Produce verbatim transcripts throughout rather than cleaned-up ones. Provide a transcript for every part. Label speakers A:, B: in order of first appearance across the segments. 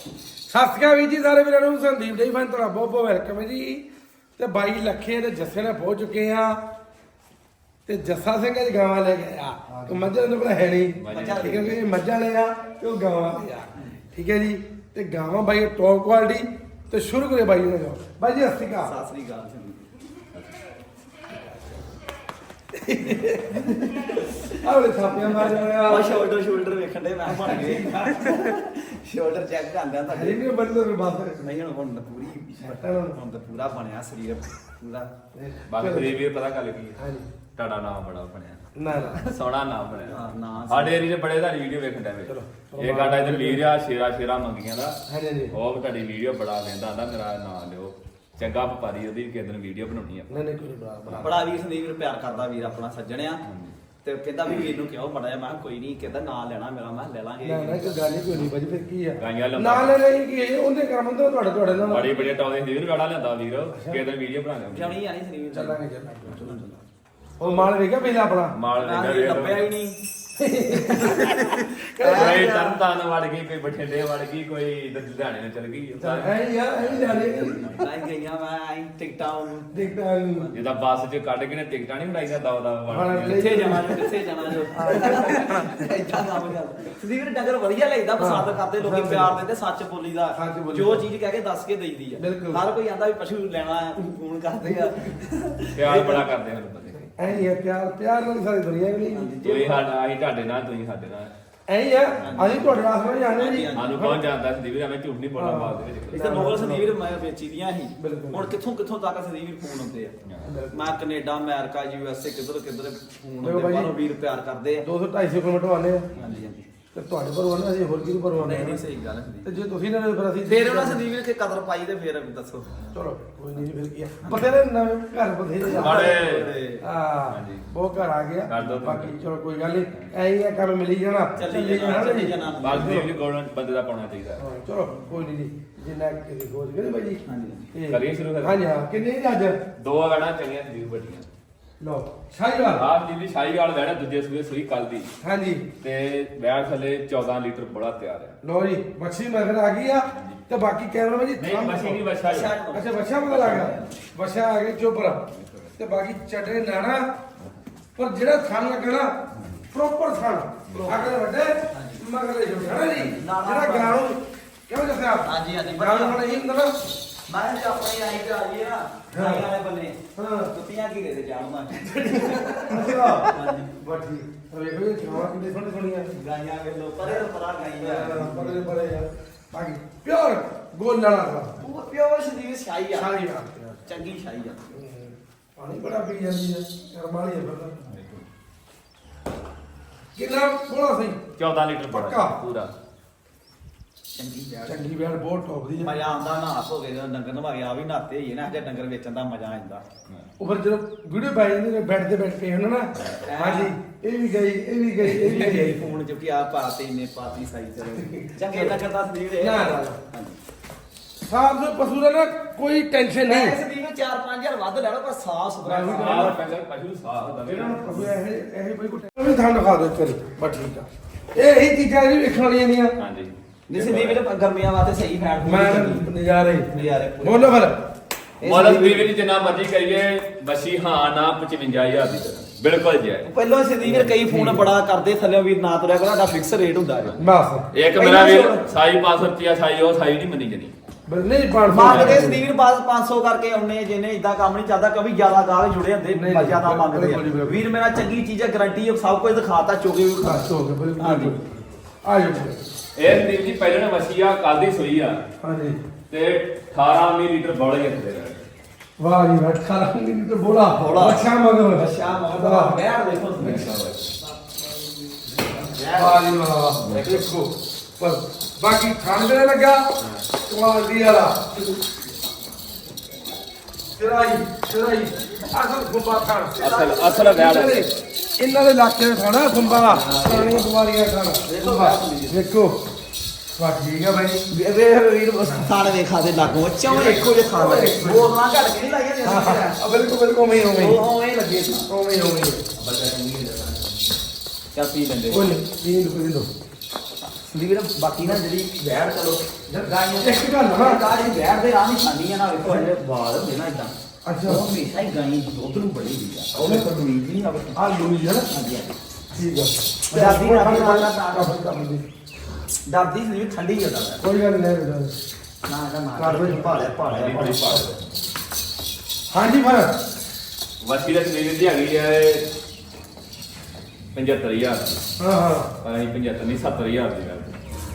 A: ਸਤਿ ਸ਼੍ਰੀ ਅਕਾਲ ਵੀਰ ਜੀ ਸਾਰੇ ਵੀਰਾਂ ਨੂੰ ਸੰਦੀਪ ਡੇਰੀ ਫਾਰਮ ਤੁਹਾਡਾ ਬਹੁਤ ਬਹੁਤ ਵੈਲਕਮ ਹੈ ਜੀ। ਤੇ ਬਾਈ ਲੱਖੇ ਤੇ ਜੱਸੇ ਨਾਲ ਪਹੁੰਚ ਚੁੱਕੇ ਆ ਤੇ ਜੱਸਾ ਸਿੰਘ ਅੱਜ ਗਾਵਾਂ ਲੈ ਕੇ ਆ ਤੇ ਮੱਝਾਂ ਦੇ ਕੋਲ ਹੈ ਨਹੀਂ ਠੀਕ ਹੈ ਕਿ ਮੱਝਾਂ ਲੈ ਆ ਤੇ ਉਹ ਗਾਵਾਂ ਲੈ ਆ ਠੀਕ ਹੈ ਜੀ। ਤੇ ਗਾਵਾਂ ਬਾਈ ਟੌਪ ਕੁਆਲਿਟੀ ਤੇ ਸ਼ੁਰੂ ਕਰੇ ਬਾਈ ਨੇ ਜਾਓ ਬਾਈ ਜੀ ਸਤਿ ਸ਼੍ਰੀ ਅਕਾਲ।
B: ਸਤਿ ਸ੍ਰੀ ਅਕਾਲ
A: ਆਲੇ ਥਾਪੀਆਂ ਮਾਰ ਰਿਹਾ
B: ਆ ਸ਼ੋਲਡਰ ਸ਼ੋਲਡਰ ਵੇਖਣ ਦੇ ਮੈਂ ਬਣ ਗਏ ਸ਼ੋਲਡਰ ਚੈੱਕ ਕਰਦਾ ਤਾਂ
A: ਹਰੀ ਨਹੀਂ ਬੰਦੇ ਨੂੰ ਬਾਤ
B: ਨਹੀਂ ਹੁਣ ਹੁਣ ਤਾਂ ਪੂਰੀ ਹੁਣ ਤਾਂ ਪੂਰਾ ਬਣਿਆ ਸਰੀਰ ਪੂਰਾ
C: ਬਾਕੀ ਵੀ ਪਤਾ ਗੱਲ ਕੀ
A: ਹਾਂਜੀ
C: ਤੁਹਾਡਾ ਨਾਮ ਬੜਾ ਬਣਿਆ
A: ਨਾ ਨਾ
C: ਸੋਹਣਾ ਨਾਮ ਬਣਿਆ
B: ਹਾਂ, ਨਾਮ
C: ਸਾਡੇ ਏਰੀਏ ਦੇ ਬੜੇ ਤੁਹਾਡੀ ਵੀਡੀਓ ਵੇਖਣ ਟਾਈਮ
A: ਚਲੋ,
C: ਇਹ ਸਾਡਾ ਇਧਰ ਵੀਰ ਆ ਸ਼ੇਰਾ ਸ਼ੇਰਾ ਮੰਗੀਆਂ ਦਾ
A: ਹਾਂਜੀ ਹਾਂਜੀ
C: ਉਹ ਵੀ ਤੁਹਾਡੀ ਵੀਡੀਓ ਬੜਾ ਕਹਿੰਦਾ ਆਂਦਾ ਮੇਰਾ ਨਾਮ ਲਿਓ ਚੰਗਾ ਵਪਾਰੀ ਉਹਦੀ ਵੀ ਕਿਸੇ ਦਿਨ ਵੀਡੀਓ ਬਣਾਉਣੀ ਆ
A: ਨਹੀਂ ਨਹੀਂ ਕੋਈ ਬਣਾ ਬਣਾ
B: ਬੜਾ ਵੀਰ ਸੰਦੀਪ ਨੂੰ ਪਿਆਰ ਕਰਦਾ ਵੀਰ ਆਪਣਾ ਸੱਜਣਿਆ ਤੇ ਕਹਿੰਦਾ ਵੀ ਵੀਰ ਨੂੰ ਕਿਉਂ ਬੜਾ ਜਿਹਾ ਮੈਂ ਕਿਹਾ ਕੋਈ ਨਹੀਂ ਕਹਿੰਦਾ ਨਾਂ ਲੈਣਾ ਮੇਰਾ ਮੈਂ ਕਿਹਾ ਲੈ ਲਾਂਗੇ
A: ਨਾ ਨਾ ਕੋਈ ਗੱਲ ਨਹੀਂ ਕੋਈ ਨਹੀਂ ਬਾਜੀ ਫਿਰ ਕੀ ਆ
C: ਗਾਈਆਂ ਲੰਬਾ
A: ਨਾਲ ਨਹੀਂ ਕੀ ਇਹ ਉਹਦੇ ਕਰਮ ਹੁੰਦੇ ਤੁਹਾਡੇ ਤੁਹਾਡੇ ਨਾਲ
C: ਬੜੀ ਬੜੀ ਟੌਪ ਦੇ ਵੀਰ ਗਾੜਾ ਲੈਂਦਾ ਵੀਰ ਕਿਸੇ ਦਿਨ ਵੀਡੀਓ ਬਣਾ ਲਿਆ
B: ਜਾਣੀ ਆਣੀ ਸੰਦੀਪ
A: ਚੱਲਾਂਗੇ ਚੱਲਾਂਗੇ ਚਲੋ ਚਲੋ ਉਹ ਮਾਲ ਵੇਖਿਆ ਪਹਿਲਾਂ ਆਪਣਾ
C: ਮਾਲ
B: ਮੈਂ
C: ਵੇਖਿਆ
B: ਕਿਹਾ
C: ਵੇਖ
B: ਲੱਭਿਆ ਹੀ ਨਹੀਂ
C: ਕੋਈ ਤਰਨਤਾਰਨ ਵੜ ਗਈ ਕੋਈ ਬਠਿੰਡੇ ਵੜ ਗਈ ਕੋਈ ਇੱਧਰ ਲੁਧਿਆਣੇ ਨੂੰ ਚਲ ਗਈ
A: ਐ ਯਾਰ ਐ ਜਾਣੇ
B: ਮੈਂ ਗਈਆਂ ਮੈਂ ਆਈ ਟਿਕਟਾਂ ਨੂੰ
A: ਦੇਖਦਾ ਨਹੀਂ
C: ਜਿਹਦਾ ਬੱਸ 'ਚ ਕੱਢ ਕੇ ਨੇ ਟਿਕਟਾਂ ਨਹੀਂ ਬਣਾਈਆਂ ਦਵਾ ਦਵਾ
A: ਹਾਂ,
C: ਵੜ
B: ਕਿੱਥੇ ਜਾਣਾ ਜੋ ਕਿੱਥੇ ਜਾਣਾ ਜੋ ਇਦਾਂ ਕੰਮ ਚੱਲਦਾ ਸੰਦੀਪ ਨੇ ਡੰਗਰ ਵਧੀਆ ਲੱਗਦਾ ਪਸੰਦ ਕਰਦੇ ਲੋਕੀ ਪਿਆਰ ਦਿੰਦੇ ਸੱਚ ਬੋਲੀ ਦਾ
A: ਸੱਚ ਬੋਲੀ
B: ਜੋ
A: ਦਾ।
B: ਚੀਜ਼ ਕਹਿ ਕੇ ਦੱਸ ਕੇ ਦੇਈਦੀ ਆ
A: ਬਿਲਕੁਲ।
B: ਹਰ ਕੋਈ ਆਂਦਾ ਵੀ ਪਸ਼ੂ ਲੈਣਾ ਆ ਫੋਨ ਕਰਦੇ ਆ
C: ਪਿਆਰ ਬੜਾ ਕਰਦੇ ਹਨ ਬੰਦੇ
A: ਐ ਹੀ ਆ ਪਿਆਰ ਪਿਆਰ ਨਾਲ ਹੀ ਸਾਰੀ ਦੁਨੀਆ ਵੀ ਨਹੀਂ
C: ਤੁਸੀਂ ਸਾਡਾ ਅਸੀਂ ਤੁਹਾਡੇ ਨਾਲ ਤੁਸੀਂ ਸਾਡੇ ਨਾਲ
A: ਐ ਹੀ ਆ ਅਸੀਂ ਤੁਹਾਡੇ ਵਾਸਤੇ ਨਹੀਂ ਆਨੇ ਜੀ
C: ਸਾਨੂੰ ਕੌਣ ਜਾਣਦਾ ਸੰਦੀਪ ਵੀਰ, ਐਵੇਂ ਝੂਠ ਨਹੀਂ ਬੋਲਣਾ ਬਾਤ ਦੇ ਵਿੱਚ
B: ਇੱਕ ਤਾਂ ਨੋਬਲ ਸੰਦੀਪ ਮੈਂ ਵੇਚੀ ਦੀਆਂ ਸੀ
A: ਬਿਲਕੁਲ।
B: ਹੁਣ ਕਿੱਥੋਂ ਕਿੱਥੋਂ ਤੱਕ ਸੰਦੀਪ ਫੋਨ ਹੁੰਦੇ ਆ ਮੈਂ ਕੈਨੇਡਾ ਅਮਰੀਕਾ ਯੂ ਐਸ ਏ ਕਿੱਧਰ ਕਿੱਧਰ ਫੋਨ
A: ਦੇਖੋ
B: ਹੁੰਦੇ
A: ਭਾਈ,
B: ਬਾਹਰੋਂ ਵੀਰ ਪਿਆਰ ਕਰਦੇ ਆ
A: ਦੋ ਸੌ ਢਾਈ ਸੌ ਕਿਲੋਮੀਟਰ ਆਨੇ ਆ
B: ਹਾਂਜੀ ਹਾਂਜੀ
A: ਤੇ ਤੁਹਾਡੇ ਪਰ ਆਨੇ ਅਸੀਂ ਹੋਰ ਕਿਹਨੂੰ ਪਰ ਆਨੇ
B: ਨਹੀਂ ਨਹੀਂ ਸਹੀ ਗੱਲ ਹੈ ਸੰਦੀਪ
A: ਤੇ ਜੇ ਤੁਸੀਂ ਨਾ ਫਿਰ ਅਸੀਂ
B: ਫੇਰ ਉਹਨਾਂ ਸੰਦੀਪ ਨੇ ਕਿ ਕਦਰ ਪਾਈ ਤੇ ਫੇਰ ਦੱਸੋ
A: ਚਲੋ ਕੋਈ ਨਹੀਂ ਫਿਰ ਕੀ ਆ ਬਥੇਰੇ ਨਵੇਂ ਘਰ ਬਥੇਰੇ ਆ
C: ਸਾਡੇ
A: ਹਾਂ
C: ਹਾਂਜੀ।
A: ਬਹੁਤ ਘਰ ਆ ਗਿਆ
C: ਕਰ ਦਿਓ ਤੁਸੀਂ।
A: ਬਾਕੀ ਚਲੋ ਕੋਈ ਗੱਲ ਨਹੀਂ ਐ ਹੀ ਆ ਕੰਮ ਮਿਲੀ ਜਾਣਾ
B: ਚੱਲੀ ਜਾਣਾ ਚੱਲੀ ਜਾਣਾ
C: ਬਾਕੀ ਵੀ ਗੋਲਡਨ ਬੰਦੇ ਦਾ ਪਾਉਣਾ ਚਾਹੀਦਾ
A: ਹਾਂ, ਚਲੋ ਕੋਈ ਨਹੀਂ ਜੀ ਜਿੰਨਾ ਕਿਸੇ ਖੋਜ ਕਰੇ ਬਾਈ ਜੀ
B: ਹਾਂਜੀ।
A: ਤੇ-
C: ਕਰੀਏ ਸ਼ੁਰੂ ਫਿਰ?
A: ਹਾਂਜੀ ਹਾਂ ਕਿੰਨੇ ਜੀ ਅੱਜ
C: ਦੋ ਗਾਣਾ ਚੰਗੀਆਂ ਸੰਦੀਪ ਬੜੀਆਂ
A: ਲਓ ਸ਼ਾਹੀਵਾਲ
C: ਆਪ ਜੀ ਦੀ ਸ਼ਾਹੀਵਾਲ ਵੈਣਾ ਦੂਜੇ ਸੂਏ ਸੂਈ ਕੱਲ ਦੀ
A: ਹਾਂਜੀ
C: ਤੇ ਵੈਣ ਥੱਲੇ ਚੌਦਾਂ ਲੀਟਰ ਬੜਾ ਤਿਆਰ ਹੈ
A: ਲਓ ਜੀ ਮੱਛੀ ਮਗਰ ਆ ਗਈ ਆ ਤੇ ਬਾਕੀ ਕੈਮਰਾ ਜੀ
C: ਨਹੀਂ ਮਸ਼ੀਨ ਨਹੀਂ ਵਛਾ
A: ਅੱਛਾ ਬੱਚਾ ਪਤਾ ਲੱਗ ਗਿਆ ਬੱਚਾ ਆ ਗਿਆ ਚੋਪਰ ਤੇ ਬਾਕੀ ਚਟੇ ਨਾਣਾ ਪਰ ਜਿਹੜਾ ਥਣ ਲੱਗਣਾ ਪ੍ਰੋਪਰ ਥਣ ਅਗਲੇ ਵੱਡੇ ਮਗਲੇ ਛੋਟਾ ਜੀ ਜਿਹੜਾ ਗਾਂ ਨੂੰ ਕਿਉਂ ਦੱਸਿਆ
B: ਹਾਂਜੀ, ਹਾਂਜੀ,
A: ਗਾਂ ਨੂੰ ਹੁਣ ਇਹ ਹੁੰਦਾ ਨਾ
B: ਮੈਂ ਜੇ ਆਪਣੀ ਆਈ ਤੇ ਆਈਏ ਨਾ ਆਈ ਵਾਲੇ ਬੰਨੇ
A: ਹਾਂ
B: ਕੁੱਤੀਆਂ ਕੀ ਦੇ ਜਾਣਦਾ
A: ਅੱਛਾ ਬੱਠੀ ਵੇਖੋ ਇਹ ਛਾਵਾਂ ਕਿੰਨੇ ਸੋਹਣੇ ਸੋਹਣੀਆਂ
B: ਗਾਈਆਂ ਵੇਲੋ ਪਰੇ ਤੋਂ ਪਰਾ ਗਾਈਆਂ
A: ਬੜੇ ਬੜੇ ਯਾਰ ਬਾਕੀ ਪਿਓਰ ਗੋਲ ਲਾਲਾ ਦਾ
B: ਉਹ ਪਿਓਰ ਸੰਦੀਪ ਸ਼ਾਹੀ ਆ
A: ਸਾਰੀ ਆ
B: ਚੰਗੀ ਸ਼ਾਹੀ ਆ
A: ਪਾਣੀ ਬੜਾ ਪੀ ਜਾਂਦੀ ਹੈ ਕਰਮ ਵਾਲੀ ਹੈ ਫਿਰ ਕਿੰਨਾ ਬੋਲਾ ਸਹੀ
C: ਚੌਦਾਂ ਲੀਟਰ
A: ਪੱਕਾ।
C: ਬੜਾ ਪੂਰਾ
B: ਚੰਗੀ ਬੈਠ
A: ਚੰਗੀ ਬੈਣ ਬਹੁਤ ਟੌਪ ਦੀ ਹੈ
B: ਮਜ਼ਾ ਆਉਂਦਾ ਨਾ ਹੋ ਗਏ ਜਦੋਂ ਡੰਗਰ ਨਵਾ ਗਿਆ ਵੀ ਨਾਤੇ ਹੀ ਨਾ ਜੇ ਡੰਗਰ ਵੇਚਣ ਦਾ ਮਜ਼ਾ ਆਉਂਦਾ
A: ਉਹ ਫਿਰ ਜਦੋਂ ਵੀਡੀਓ ਪੈ ਜਾਂਦੀ ਨੇ ਬੈੱਡ ਤੇ ਬੈਠ ਕੇ ਹੁੰਦਾ ਨਾ ਹਾਂਜੀ ਇਹ ਵੀ ਗਈ ਇਹ ਵੀ ਗਈ ਇਹ ਵੀ ਗਈ
B: ਫੋਨ ਚ ਵੀ ਆ ਪਾਤੇ ਇੰਨੇ ਪਾਤੀ ਸਾਈ ਚਲੋ ਚੰਗੇ ਡੰਗਰ ਦਾ ਸੰਦੀਪ ਇਹ
A: ਨਾ, ਨਾ, ਨਾ।
B: ਹਾਂਜੀ
A: ਸਾਫ ਦੇ ਪਸ਼ੂ ਦਾ ਨਾ ਕੋਈ ਟੈਨਸ਼ਨ
B: ਮੈਂ
A: ਨਹੀਂ
B: ਸੰਦੀਪ ਚਾਰ ਪੰਜ ਹਜ਼ਾਰ ਵੱਧ ਲੈ ਲਓ ਪਰ ਸਾਫ ਸੁਥਰਾ
A: ਮੈਂ ਵੀ
C: ਆਹ ਡੰਗਰ ਪਸ਼ੂ ਸਾਹ ਹੁੰਦਾ
A: ਇਹਨਾਂ ਨੂੰ ਪਸ਼ੂ ਇਹ ਇਹ ਕੋਈ ਕੋਈ ਵੀ ਥਾਂ ਦਿਖਾ ਦਿਓ ਕਰੀ ਬਸ ਠੀਕ ਆ ਇਹ ਹੀ ਚੀਜ਼ਾਂ ਜਿਹੜੀ ਵੇਖਣ ਵਾਲੀਆਂ ਦੀਆਂ
C: ਹਾਂਜੀ
B: ਨਹੀਂ ਸੰਦੀਪ ਇਹ ਗਰਮੀਆਂ ਵਾਸਤੇ ਸਹੀ ਫੈਟ
A: ਮੈਂ ਨਜ਼ਾਰੇ
B: ਨਜ਼ਾਰੇ ਪੂਰੇ।
A: ਬੋਲੋ ਫਿਰ
C: ਮੋਲਸ ਵੀ ਵੀ ਜਿੰਨਾ ਮਰਜ਼ੀ ਕਰੀਏ ਬਸੀ ਹਾਂ ਨਾ ਪਚਵੰਜਾ ਹਜ਼ਾਰ ਦੀ ਤਰ੍ਹਾਂ ਬਿਲਕੁਲ ਜਾਇਜ਼
B: ਪਹਿਲਾਂ ਸੰਦੀਪ ਵੀਰ ਕਈ ਫੋਨ ਬੜਾ ਕਰਦੇ ਥੱਲੇ ਵੀਰ ਨਾ ਤੁਰਿਆ ਕਰੋ ਸਾਡਾ ਫਿਕਸ ਰੇਟ ਹੁੰਦਾ ਜੀ
A: ਬਸ
C: ਇੱਕ ਮੇਰਾ ਵੀਰ ਸਾਈ ਪੰਜ ਸੌ ਰੁਪਿਆ ਸਾਈ ਉਹ ਸਾਈ ਨਹੀਂ ਮੰਨੀ ਜਣੀ
A: ਬਸ ਨਹੀਂ ਪਾਣ
B: ਮੰਗਦੇ ਸੰਦੀਪ ਵੀਰ ਬਾਅਦ ਪੰਜ ਸੌ ਕਰਕੇ ਆਉਣੇ ਜਿਹਨੇ ਇਦਾਂ ਕੰਮ ਨਹੀਂ ਚੱਲਦਾ ਕਿਉਂਕਿ ਜ਼ਿਆਦਾ ਗਾਹਕ ਜੁੜੇ ਹੁੰਦੇ
A: ਨਹੀਂ, ਨਹੀਂ,
B: ਜ਼ਿਆਦਾ
A: ਬਿਲਕੁਲ,
B: ਮੰਗਦੇ ਆ
A: ਬਿਲਕੁਲ, ਬਿਲਕੁਲ।
B: ਵੀਰ ਮੇਰਾ ਚੰਗੀ ਚੀਜ਼ ਹੈ ਗਾਰੰਟੀ ਹੈ ਸਭ ਕੁਝ ਦਿਖਾਤਾ ਚੋਗੇ ਵੀ
A: ਬਸ ਹੋ ਗਿਆ ਬਿਲਕੁਲ
B: ਹਾਂਜੀ।
A: ਬਿਲਕੁਲ। ਆ ਜਾਓ
C: ਇਹ ਸੰਦੀਪ ਜੀ ਪਹਿਲਾਂ ਵਸੀ ਆ ਕੱਲ ਦੀ ਸੋਈ ਆ
A: ਹਾਂਜੀ
C: ਤੇ ਅਠਾਰਾਂ ਵੀਹ ਲੀਟਰ ਬੋਲ ਹੀ ਹੁੰਦੇ ਨੇ
A: ਵਾਹ ਜੀ ਵਾਹ ਖਾਣਾ ਨਹੀਂ ਤੇ ਬੋਲਾ
B: ਬੋਲਾ।
A: ਅੱਛਾ ਮਗਰ
B: ਅੱਛਾ ਮਗਦਾ ਬੈਠ ਦੇਖੋ
A: ਵਾਹ ਜੀ ਵਾਹ ਦੇਖੋ ਪਰ ਬਾਕੀ ਖਾਂਦੇ ਲੱਗਾ ਕੁਆਲਿਟੀ ਵਾਲਾ ਚਰਾਈ ਚਰਾਈ ਅਸਲ ਖੁੰਬਾ ਖਾਣ
C: ਅਸਲ ਅਸਲ ਵੈੜ
A: ਇਹਨਾਂ ਦੇ ਇਲਾਕੇ ਦੇ ਖਾਣਾ ਖੁੰਬਾ ਪੁਰਾਣੀਆਂ ਬਿਮਾਰੀਆਂ ਖਾਣਾ ਖੁੰਬਾ ਦੇਖੋ ਵਾਹ ਠੀਕ ਹੈ ਭਾਈ
B: ਵੇਖ ਵੀਰ ਥਾਣੇ ਦੇ ਖਾਦੇ ਲੱਗੋ ਚੌਂ ਇੱਕੋ ਜਿਹੇ ਥਾਂ ਲੱਗੇ ਬੋਲਣਾ ਘੜ ਕੇ ਨਹੀਂ ਲਾਈਆਂ
A: ਆ ਬਿਲਕੁਲ ਬਿਲਕੁਲ ਉਵੇਂ ਹੀ ਉਵੇਂ ਹੀ
B: ਉਹ ਐਂ ਲੱਗੇ ਸੀ
A: ਉਵੇਂ ਹੀ ਉਵੇਂ ਹੀ
B: ਚੱਲ ਪੀ ਲੈਂਦੇ
A: ਬੋਲੇ ਪੀਣ ਦੋ ਪੀਣ ਦੋ
B: ਸੰਦੀਪ ਵੀਰ ਬਾਕੀ ਨਾ ਜਿਹੜੀ ਵੈੜ ਚਲੋ ਗਾਈਆਂ
A: ਇੱਕ ਗੱਲ ਨਾ
B: ਗਾਂ ਜਿਹੜੀ ਵੈੜ ਦੇ ਰਾਹ ਨਹੀਂ ਖਾਂਦੀ ਆ ਨਾ ਵੇਖੋ ਇਹ ਵਾਲ ਹੁੰਦੇ ਨਾ ਇਦਾਂ
A: ਅੱਛਾ
B: ਉਹ ਹਮੇਸ਼ਾ ਹੀ ਗਾਈ ਦੁੱਧ ਨੂੰ ਬੜੀ ਦੀ ਆ ਉਹ ਵੇਖੋ ਲੂਈ ਜੀ ਨਹੀਂ ਆਵੇ
A: ਆ ਲੂਈ ਹੈ ਨਾ
B: ਹਾਂਜੀ ਹਾਂਜੀ
A: ਠੀਕ ਆ
B: ਡਰਦੀ ਨਾ ਆਪਣੀ ਨਾਲ ਨਾਲ
A: ਕਾਫੀ ਕੰਮ ਦੀ
B: ਡਰਦੀ ਸੰਦੀਪ ਠੰਡੀ ਜਿਆਦਾ
A: ਕੋਈ ਗੱਲ ਨਹੀਂ ਲੈ
B: ਨਾ ਨਾ ਨਾ ਕਰ ਵੀ ਭਾਲਿਆ ਭਾਲਿਆ
C: ਬੜੀ ਪਾੜ
A: ਹਾਂਜੀ ਫਿਰ
C: ਵਸੀ ਦਾ ਸਰੀਰ ਦੀ ਹੈਗੀ ਹੈ ਪੰਝੱਤਰ ਹਜ਼ਾਰ
A: ਹਾਂ ਹਾਂ
C: ਪਰ ਅਸੀਂ ਪੰਝੱਤਰ ਨਹੀਂ ਸੱਤਰ ਹਜ਼ਾਰ ਦੀ ਗੱਲ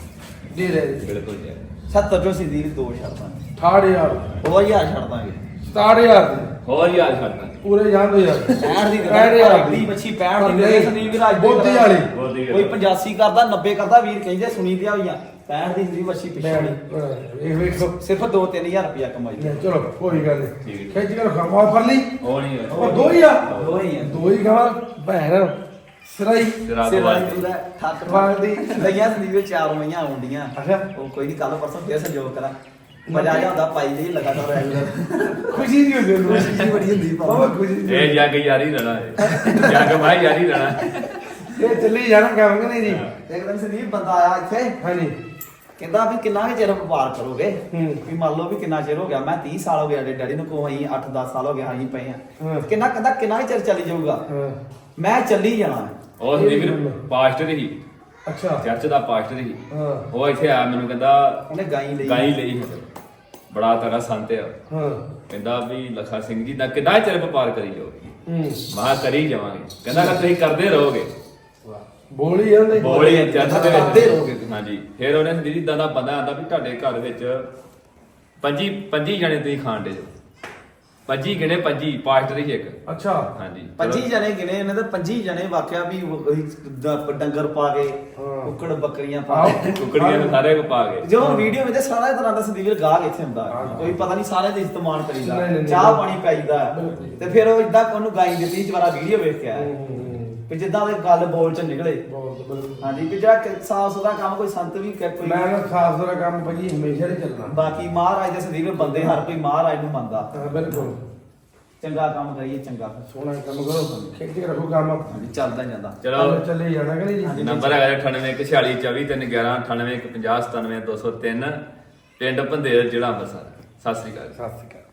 A: ਦੇ ਦੇ
C: ਬਿਲਕੁਲ ਜੀ
B: ਸੱਤਰ ਚੋਂ ਸੰਦੀਪ ਦੋ ਛੱਡਦਾ
A: ਅਠਾਹਠ ਹਜ਼ਾਰ
B: ਉਹ ਹਜ਼ਾਰ ਛੱਡ ਦਾਂਗੇ
A: ਸਤਾਹਠ ਹਜ਼ਾਰ ਦੇ
C: ਹੋਰ ਹਜ਼ਾਰ ਛੱਡਣਾ
A: ਪੂਰੇ ਜਾਣ ਦੋ ਯਾਰ
B: ਪੈਂਹਠ ਦੀ
A: ਪੈਂਹਠ ਹਜ਼ਾਰ
B: ਅਗਲੀ ਮੱਛੀ ਪੈਂਹਠ ਦੀ ਦੇ ਸੰਦੀਪ ਵੀਰ ਅੱਜ
A: ਬੋਤੀ ਵਾਲੀ
C: ਬੋਤੀ
B: ਕੋਈ ਪਚਾਸੀ ਕਰਦਾ ਨੱਬੇ ਕਰਦਾ ਵੀਰ ਕਹਿੰਦੇ ਸੁਣੀ ਦਿਆ ਹੋਈਆਂ ਪੈਂਹਠ ਦੀ ਸੰਦੀਪ ਮੱਛੀ ਪਿੱਛੇ
A: ਇਹ ਵੇਖੋ
B: ਸਿਰਫ ਦੋ ਤਿੰਨ ਹਜ਼ਾਰ ਰੁਪਇਆ ਕਮਾਈ
A: ਲੈ ਚਲੋ ਕੋਈ ਗੱਲ
C: ਠੀਕ
A: ਨਹੀਂ
C: ਹੈ।
A: ਖਿੱਚ ਕੇ ਰਖਾ ਮਾਫ ਕਰ ਲਈ
C: ਉਹ ਨਹੀਂ ਹੋਇਆ।
A: ਉਹ ਦੋ ਹੀ ਆ
B: ਦੋ ਹੀ ਆ
A: ਦੋ ਹੀ ਗਾਵਾਂ ਭੈਣ ਸਰਾਈ
C: ਰਾਤ
B: ਸਿਰਾਂ
C: ਵਾਲੀ
B: ਪੂਰਾ ਠੱਕ
A: ਵਾਲਦੀ।
B: ਲਈਆਂ ਸੰਦੀਪ ਚਾਰ ਮਈਆਂ ਆਉਂਦੀਆਂ
A: ਅੱਛਾ
B: ਉਹ ਕੋਈ ਨਹੀਂ ਕੱਲ ਪਰਸੋਂ ਫੇਰ ਸੰਜੋਗ ਕਰਾਂ ਮਜ਼ਾ ਆ ਜਾਂਦਾ ਪਾਈ ਲਈ ਲਗਾਤਾਰ ਰੈਗੂਲਰ
A: ਖੁਸ਼ੀ ਦੀ ਹੁੰਦੀ ਉਹਨੂੰ
B: ਖੁਸ਼ੀ ਬੜੀ ਹੁੰਦੀ
A: ਬਹੁਤ ਖੁਸ਼ੀ ਦੀ
C: ਇਹ ਜੱਗ ਯਾਰੀ ਰਹਿਣਾ ਹੈ ਜੱਗ ਭਾਈ ਯਾਰੀ ਰਹਿਣਾ
A: ਇਹ ਚੱਲੀ ਜਾਣਾ ਕੰਮ ਕਿ ਨਹੀਂ ਜੀ
B: ਇੱਕ ਦਿਨ ਸੰਦੀਪ ਬੰਦਾ ਆਇਆ ਇੱਥੇ
A: ਹਾਂਜੀ
B: ਕਹਿੰਦਾ ਵੀ ਕਿੰਨਾ ਕੁ ਚਿਰ ਵਪਾਰ ਕਰੋਗੇ
A: ਹੂੰ।
B: ਵੀ ਮੰਨ ਲਓ ਵੀ ਕਿੰਨਾ ਚਿਰ ਹੋ ਗਿਆ ਮੈਂ ਤੀਹ ਸਾਲ ਹੋ ਗਿਆ ਸਾਡੇ ਡੈਡੀ ਨੂੰ ਕੋ ਅਸੀਂ ਅੱਠ ਦਸ ਸਾਲ ਹੋ ਗਿਆ ਅਸੀਂ ਪਏ
A: ਹਾਂ।
B: ਆ ਕਿੰਨਾ ਕਹਿੰਦਾ ਕਿੰਨਾ ਕੁ ਚਿਰ ਚੱਲੀ ਜਾਊਗਾ
A: ਹਾਂ
B: ਮੈਂ ਚੱਲੀ ਜਾਣਾ
C: ਉਹ ਸੀ ਵੀਰ ਪਾਸਟਰ ਹੀ
A: ਅੱਛਾ
C: ਚਰਚ ਦਾ ਪਾਸਟਰ ਹੀ
A: ਹਾਂ
C: ਉਹ ਇੱਥੇ ਆਇਆ ਮੈਨੂੰ ਕਹਿੰਦਾ
B: ਉਹਨੇ ਗਾਈ ਲਈ
C: ਗਾਈ ਲਈ ਹੈ ਬੜਾ ਤਗੜਾ ਸੰਤ ਆ
A: ਹਾਂ
C: ਕਹਿੰਦਾ ਵੀ ਲਖਾ ਸਿੰਘ ਜੀ ਦਾ ਕਿੰਨਾ ਚਿਰ ਵਪਾਰ ਕਰੀ ਜਾਓਗੇ
A: ਹੂੰ
C: ਮਾ ਕਰੀ ਜਾਵਾਂਗੇ ਕਹਿੰਦਾ ਕਿ ਤੁਸੀਂ ਕਰਦੇ ਰਹੋਗੇ
A: ਬੋਲੀ ਜਾਂਦੇ
C: ਬੋਲੀ ਚਰਚ ਦੇ
B: ਕਰਦੇ
C: ਵਿੱਚ
B: ਰਹੋਗੇ।
C: ਹਾਂਜੀ ਫਿਰ ਉਹਨੇ ਜਿਹੜੀ ਇਦਾਂ ਦਾ ਬੰਦਾ ਆਂਦਾ ਵੀ ਤੁਹਾਡੇ ਘਰ ਵਿੱਚ ਪੰਜੀ ਪੰਜੀ ਜਣੇ ਤੁਸੀਂ ਖਾਣ ਦੇ ਜੋ ਪੰਜੀ ਗਿਣੇ ਪੰਜੀ ਪਾਸਟਰ ਹੀ ਇੱਕ
A: ਅੱਛਾ
C: ਹਾਂਜੀ ਚਲੋ।
B: ਪੰਜੀ ਜਣੇ ਗਿਣੇ ਇਹਨਾਂ ਦੇ ਪੰਜੀ ਜਣੇ ਵਾਕਿਆ ਵੀ ਉਹ- ਉਹੀ ਦ- ਡੰਗਰ ਪਾ ਕੇ
A: ਹਾਂ।
B: ਕੁੱਕੜ ਬੱਕਰੀਆਂ ਪਾ
A: ਆਹੋ।
B: ਕੇ
C: ਕੁਕੜੀਆਂ ਨੂੰ ਸਾਰੇ ਕੋ ਪਾ ਗਏ
B: ਜੋ ਵੀਡੀਓ ਵਿੱਚ ਸਾਰਾ ਤਰ੍ਹਾਂ ਦਾ ਸੰਦੀਪ ਗਾਹਕ ਇੱਥੇ ਹੁੰਦਾ
A: ਹਾਂ।
B: ਕੋਈ ਪਤਾ ਨਹੀਂ ਸਾਰੇ ਦੇ ਇਸਤੇਮਾਲ ਕਰੀਦਾ
A: ਨਹੀਂ, ਨਹੀਂ, ਨਹੀਂ।
B: ਚਾਹ ਪਾਣੀ ਪਾਈਦਾ
A: ਬਿਲਕੁਲ।
B: ਤੇ ਫਿਰ ਉਹ ਇਦਾਂ ਉਹਨੂੰ ਗਾਈ ਦਿੱਤੀ ਜਵਾਰਾ ਵੀਡੀਓ ਵੇਖ ਕੇ ਆਇਆ ਵੀ ਜਿੱਦਾਂ ਦੇ ਗੱਲ ਬੋਲ ਚ ਨਿਕਲੇ
A: ਬਹੁਤ ਬਿਲਕੁਲ
B: ਹਾਂਜੀ ਵੀ ਜਿਹੜਾ ਸਾਫ ਸੁਥਰਾ ਕੰਮ ਕੋਈ ਸੰਤ ਵੀ ਕਰ ਕੋਈ
A: ਮੈਂ ਨਾ ਸਾਫ ਸੁਥਰਾ ਕੰਮ ਭਾਜੀ ਹਮੇਸ਼ਾ ਹੀ ਚੱਲਣਾ
B: ਬਾਕੀ ਮਹਾਰਾਜ ਦੇ ਸੰਦੀਪ ਬੰਦੇ ਹਰ ਕੋਈ ਮਹਾਰਾਜ ਨੂੰ ਮੰਨਦਾ
A: ਹਾਂ ਬਿਲਕੁਲ
B: ਚੰਗਾ ਕੰਮ ਕਰੀਏ ਚੰਗਾ
A: ਸੋਹਣਾ ਕੰਮ ਕਰੋ ਖਿੱਚ ਕੇ ਰੱਖੋ ਕੰਮ
B: ਹਾਂਜੀ ਚੱਲਦਾ ਹੀ ਜਾਂਦਾ
C: ਚਲੋ
A: ਚੱਲੇ ਜਾਣਾ ਕਿ ਨਹੀਂ ਜੀ
C: ਨੰਬਰ ਹੈਗਾ ਅਠਾਨਵੇਂ ਇੱਕ ਛਿਆਲੀ ਚੌਵੀ ਤਿੰਨ ਗਿਆਰਾਂ ਅਠਾਨਵੇਂ ਇੱਕ ਪੰਜਾਹ ਸਤਾਨਵੇਂ ਦੋ ਸੌ ਤਿੰਨ ਪਿੰਡ ਭੰਦੇਰ ਜ਼ਿਲ੍ਹਾ ਅੰਮ੍ਰਿਤਸਰ ਸਤਿ ਸ੍ਰੀ ਅਕਾਲ
A: ਸਤਿ ਸ਼੍ਰੀ ਅਕਾਲ